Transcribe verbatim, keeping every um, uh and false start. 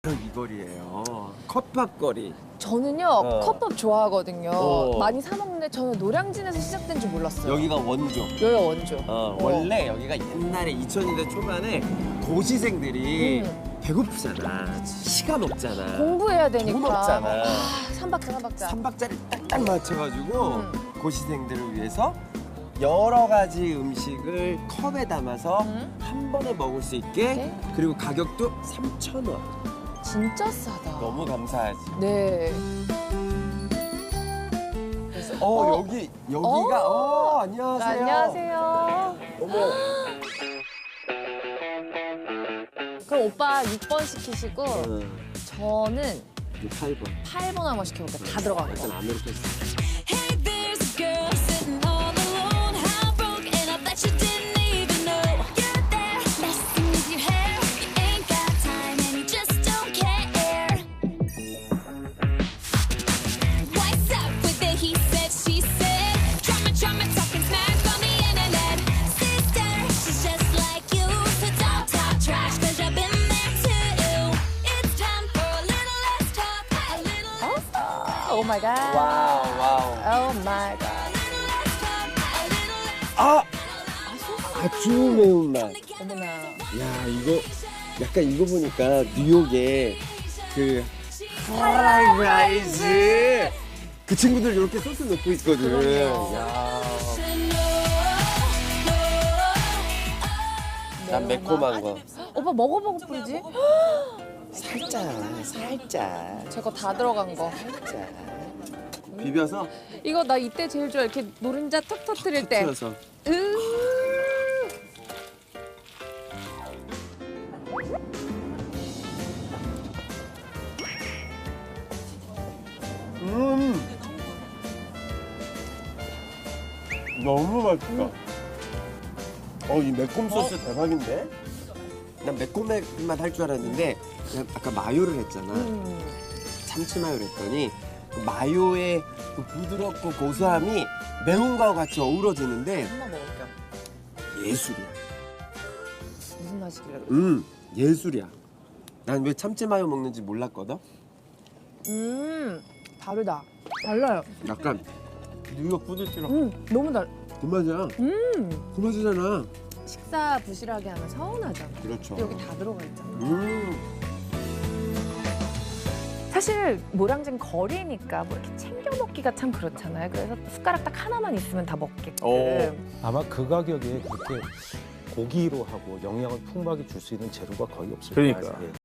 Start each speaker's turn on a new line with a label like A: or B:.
A: 바로 이 거리예요. 컵밥 거리.
B: 저는요
A: 어.
B: 컵밥 좋아하거든요.
A: 어.
B: 많이 사 먹는데 저는 노량진에서 시작된 줄 몰랐어요.
A: 여기가 원조.
B: 여기가 원조.
A: 어, 원래 여기가 옛날에 이천 년대 초반에 고시생들이
B: 음.
A: 배고프잖아. 시간 없잖아.
B: 공부해야 되니까.
A: 돈 없잖아.
B: 아, 삼박자 삼박자.
A: 삼박자를 딱딱 맞춰가지고
B: 음.
A: 고시생들을 위해서 여러 가지 음식을 컵에 담아서
B: 음.
A: 한 번에 먹을 수 있게
B: 네.
A: 그리고 가격도 삼천 원.
B: 진짜 싸다.
A: 너무 감사하지.
B: 네.
A: 그래서 어,
B: 어.
A: 여기 여기가 어, 안녕하세요.
B: 안녕하세요.
A: 어머.
B: 그럼 오빠 육 번 시키시고
A: 응.
B: 저는
A: 팔 번.
B: 팔 번 한번 시켜볼게요. 다 들어간 거.
A: 일단 아메리카노.
C: Hey, there's a girl sitting all alone, heartbroken, and I bet you didn't even know you're there, messing with your hair. You ain't got time and you just don't care. What's up with it? He said, she said. Drama, drama, talking smack on the internet. Sister, she's just like you, so don't talk trash, 'cause you've been there too. It's time for a little less talk, a little less talk.
B: 오 마이 갓.
A: 와우 와우.
B: 오 마이 갓.
A: 아! 아주 매운맛.
B: 어머나.
A: 야 이거 약간 이거 보니까 뉴욕의 그 하이라이즈 그 친구들 이렇게 소스 넣고 있거든.
B: 그럼요.
A: 야. 난 매콤한 거.
B: 오빠 먹어보고 뿌리지?
A: 살짝 살짝
B: 제 거 다 들어간 거.
A: 살짝 비벼서
B: 이거 나 이때 제일 좋아. 이렇게 노른자 톡 터뜨릴 때.
A: 틀어서.
B: 으.
A: 음 너무 맛있다. 어 이 매콤 소스 대박인데? 난 매콤한 할 줄 알았는데 그냥 아까 마요를 했잖아.
B: 음.
A: 참치 마요를 했더니 그 마요의 그 부드럽고 고소함이 매운 거와 같이 어우러지는데
B: 한번 먹을게요.
A: 예술이야.
B: 무슨 맛이길래 그래?
A: 음 예술이야. 난 왜 참치 마요 먹는지 몰랐거든.
B: 음. 다르다. 달라요.
A: 약간 뉴욕 푸드처럼
B: 음. 너무 달.
A: 그 맛이야.
B: 음.
A: 그 맛이잖아.
B: 식사 부실하게 하면 서운하잖아.
A: 그렇죠.
B: 여기 다 들어가 있잖아.
A: 음.
B: 사실 노량진 거리니까 뭐 이렇게 챙겨 먹기가 참 그렇잖아요. 그래서 숟가락 딱 하나만 있으면 다 먹게끔.
A: 오.
D: 아마 그 가격에 그렇게 고기로 하고 영양을 풍부하게 줄 수 있는 재료가 거의 없을
E: 그러니까.
D: 거예요. 예.